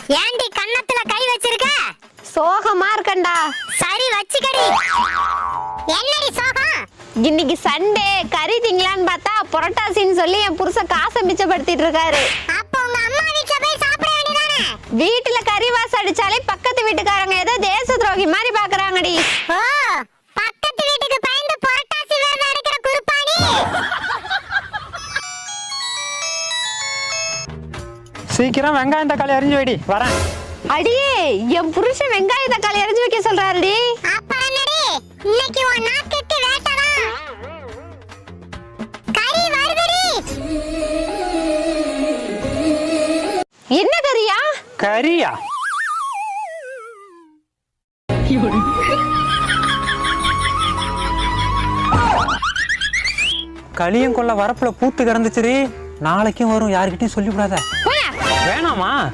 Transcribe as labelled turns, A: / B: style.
A: ஏண்டி கன்னத்துல கை வச்சிருக்க?
B: சோகமா இருக்கண்டா.
A: சரி வச்சுக்கடி. என்னடி சோகம்?
B: இன்னைக்கு சண்டே, கறி திங்கலான்னு பார்த்தா புரட்டாசின்னு சொல்லி என் புருஷன் காசை மிச்சப்படுத்திட்டு இருக்காரு.
A: அப்ப உங்க அம்மா வீட்ல போய் சாப்பிட வேண்டியதானே?
B: வீட்டுல கறி வாசம் அடிச்சாலே பக்கத்து வீட்டுக்காரங்க ஏதோ தேச துரோகி மாதிரி பாக்குறாங்கடி.
A: ஓ, பக்கத்து வீட்டுக்கு பயந்து புரட்டாசி விரதம் எடுக்கிற குருப்பாணி.
C: சீக்கிரம் வெங்காயம் தக்காளி அரிஞ்சு வைடி, வரேன்.
B: அடியே, என் புருஷன் வெங்காய தக்காளி அரிஞ்சு வைக்க சொல்றாருடி.
A: அப்புறம் என்னடி? இன்னைக்கு உன் நாக்குக்கு வேட்டதான். கறி வருதுடி.
B: என்ன கறியா?
C: கறியா? களியும் கொள்ள வரப்புல பூத்து கிடந்துச்சுரி. நாளைக்கும் வரும், யாருக்கிட்டையும் சொல்லிவிடாத.
B: போயா.
C: வேணாமா?